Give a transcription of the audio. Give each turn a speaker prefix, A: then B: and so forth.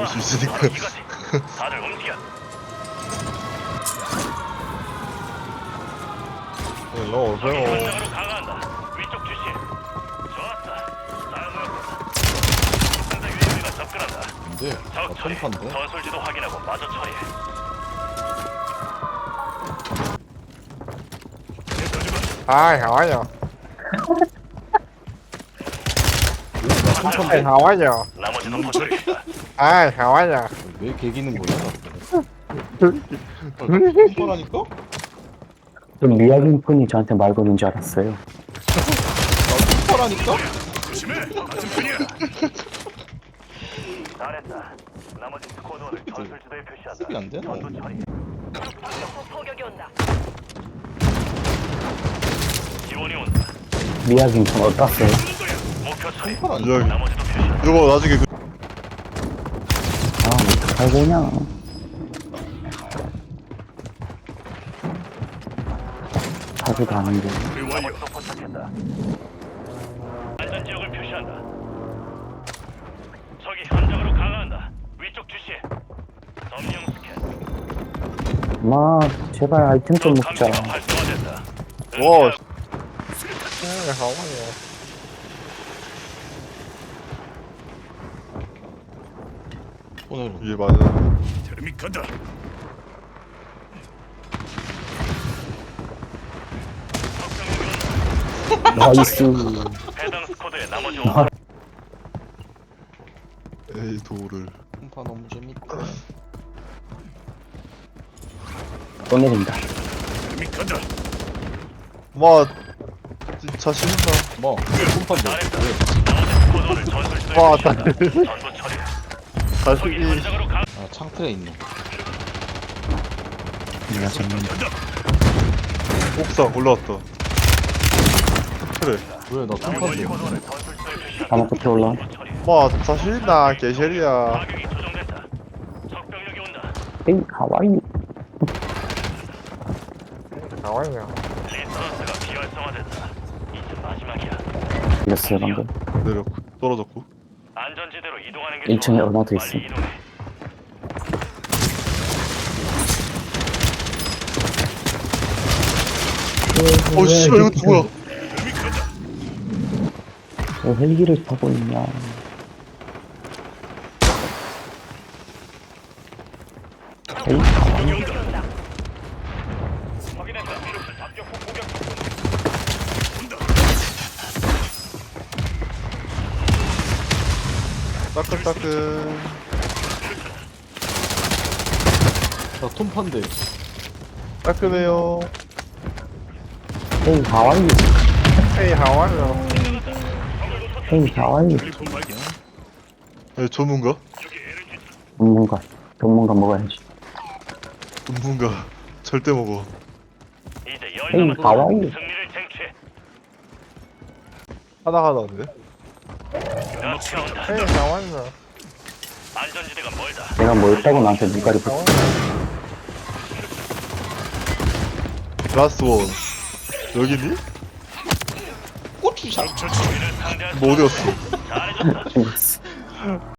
A: 수 있으니까.
B: 다들 움직여.
A: 일로 오세요.
B: 현장으로 강화한다. 위쪽 주시. 좋았어. 다음은 상대 유닛이가 접근한다.
A: 근데 나
B: 적 처리.
A: 턴판데?
B: 전술지도 확인하고 마저 처리해.
C: Hi, how are you?
A: 나
C: Hi,
A: 턴판데?
C: how are you?
B: 나머지는 포착했다.
C: Hi, how are you?
A: 왜 개기는 거야? 턴판하니까?
D: 좀 미약인 분이 저한테 말 거는 줄 알았어요.
A: 나 턴판하니까?
B: 조심해. 같은 편이야. 잘했다. 나머지 스쿼드원을 전술지도에 표시한다.
A: 습이 안 되나?
B: 전투 처리.
E: 포격이 온다.
B: 지원이 온다.
D: 미약인 분 어떠세요?
B: 목표 처리.
A: 턴판 아니야?
B: 나머지도 표시한다.
A: 이거 나중에 그
D: 아, 어떡할 거냐. 하지도 않은데.
B: 나머지도 포착했다. 안전 지역을 표시한다. 적이 현장으로 강화한다. 위쪽 주시해. 점령 스캔.
D: 마, 제발 아이템 좀 먹자.
B: 감지가 활성화됐다.
A: 와,
C: Hi, how are you?
A: 오늘 이게 맞아.
B: 테르믹 간다.
D: 나이스.
B: 해당 스쿼드의 나머지
D: 아.
A: 에이 도를. 턴판 너무 재밌다.
D: 또 내린다.
B: 테르믹 간다.
A: 와, 진짜 싫다. 뭐? 턴판데? 왜?
B: 스쿼드를 전술지도에
C: 와,
B: 표시한다. 전부 처리. 적이
C: 자식이
B: 현장으로 강.
A: 아 창틀에 있네.
D: 내가 잡는다.
A: 옥상 올라왔다. 그래. 왜? 나 턴판데?
B: 스쿼드원을 전술지도에 표시한다.
D: 다음 끝에 올라.
B: 전부 처리.
C: 뭐 자식이나 개셜이야.
B: 가격이 조정됐다. 적병력이 온다.
D: 헤이, 하와이.
C: How are you?
B: 리서런스가 비활성화됐다. 이제 마지막이야.
D: 이랬어요, 방금.
A: 내렸고 떨어졌고.
B: 안전지대로 이동하는 게
D: 1층에
B: 좋아.
D: 얼마도
B: 빨리
D: 있어.
B: 이동해.
A: 어 씨발 이거 뭐야?
D: 왜 헬기를 타고 있냐. 헤이, 하와이.
B: 확인했다. 미루스 잡격 후 공격.
A: 따끈따끈. 나 톰판데. 따끈해요.
D: 헤이, 하와이.
C: Hey, how are you?
D: 헤이, 하와이.
A: 네, 전문가?
D: 전문가 먹어야지.
A: 전문가. 절대 먹어.
B: 이제
D: 헤이,
B: 열
D: 하와이.
B: 승리를 쟁취해.
C: 하나 하나인데?
B: 가스가 온다.
C: Hey, how are you?
B: 안전지대가 멀다.
D: 내가 뭐 했다고 나한테 눈가리 붙어.
A: 라스트 원. 여기니? 고추장.
B: 적을 상대할 수
A: 뭐 어디였어?
B: 잘해줬다.
D: 죽었어.